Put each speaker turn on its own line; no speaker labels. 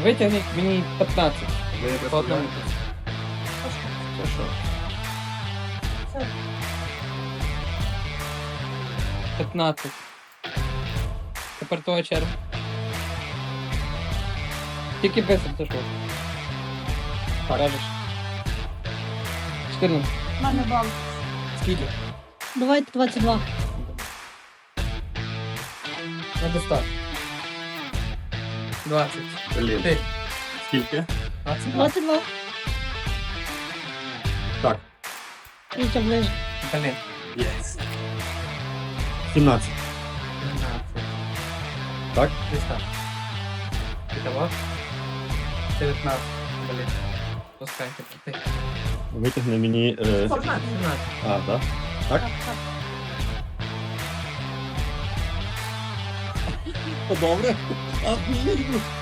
Витягни мені 15.
Ви не
По одному.
представляєте?
Це що?
Це
15. Тепер твоя черга. Тільки быстро, ти що? Кажеш. 14.
в мене бал.
Скільки?
Давайте 22.
На дистар. 20.
Блін.
Ти.
Скільки?
20.
22.
Так.
Вітя ближе.
Блін.
Єс. 17.
13.
Так?
Дистар. Итого. 19. Блін. Пускай ти.
Витягни мені...
17.
А, да? Так? Добре. А, блін.